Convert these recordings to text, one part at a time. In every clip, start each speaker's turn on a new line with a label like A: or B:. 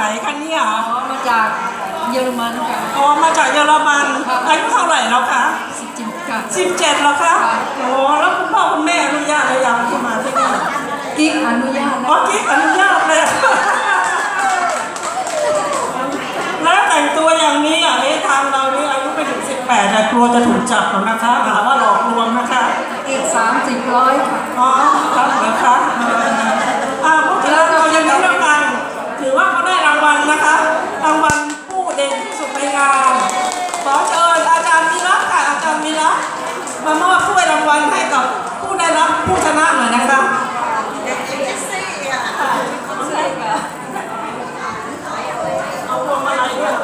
A: คะเนี่ย
B: มาจากเยอรมันค่ะ
A: อ๋อมาจากเยอรมันอายุเท่าไหร่แล้วคะ
B: 17ค่ะ
A: 17แล้วคะโอ้แล้วคุณพ่อคุณแม่อนุญาตหรือยังที่มาที่นี่
B: กิ๊กอนุญาต
A: อ๋อกิ๊กอนุญาตเลยแล้วแต่งตัวอย่างนี้อ่ะทางเรานี่อายุไม่ถึง18แต่กลัวจะถูกจับหรอกนะคะหาว่าหลอกลวงนะคะ
B: อีก30-100ค่ะ
A: อ๋อครับเหรอคะพูดถึงเรายังไม่ได้รางวัลถือว่าเขาได้รางวัลนะคะรางวัลผู้เด่นที่สุดในงานขอเชิญอาจารย์วีระค่ะอาจารย์วีระมามอบถ้วยรางวัลให้กับผู้ได้รับผู้ชนะหน่อยนะคะเอาพวงมาลัยด้วย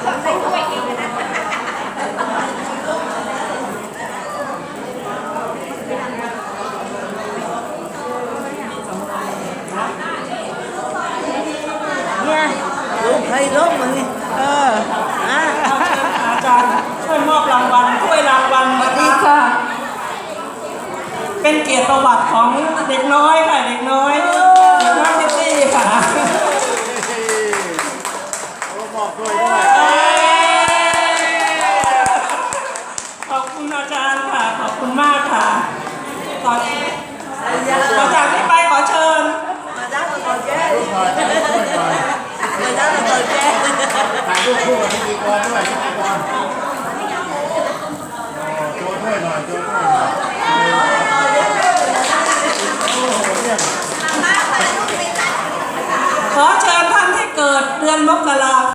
C: ให้ลบมันนี่
A: อาจารย์ช่วยมอบรางวัลถ้วยรางวัลนะ
B: ดี
A: คะ
B: ค่ะ
A: เป็นเกียรติประวัติของเด็กน้อยค่ะเด็กน้อยซิตี้ค่ะ
C: บอกด้วยด้วย
A: ขอบคุณอาจารย์ค่ะขอบคุณมากค่ะต่อจากนี้ไปขอเชิญ
C: มาด้านก่อนแก้มาด้านก่อนแก้ถ่ายรูปคู่กับพิธีกรด้วยพิธีกรโจ้ด้วยหน่อยโจ้ด้วยหน่อย
A: ขอเชิญท่านที่เกิดเดือนมกรา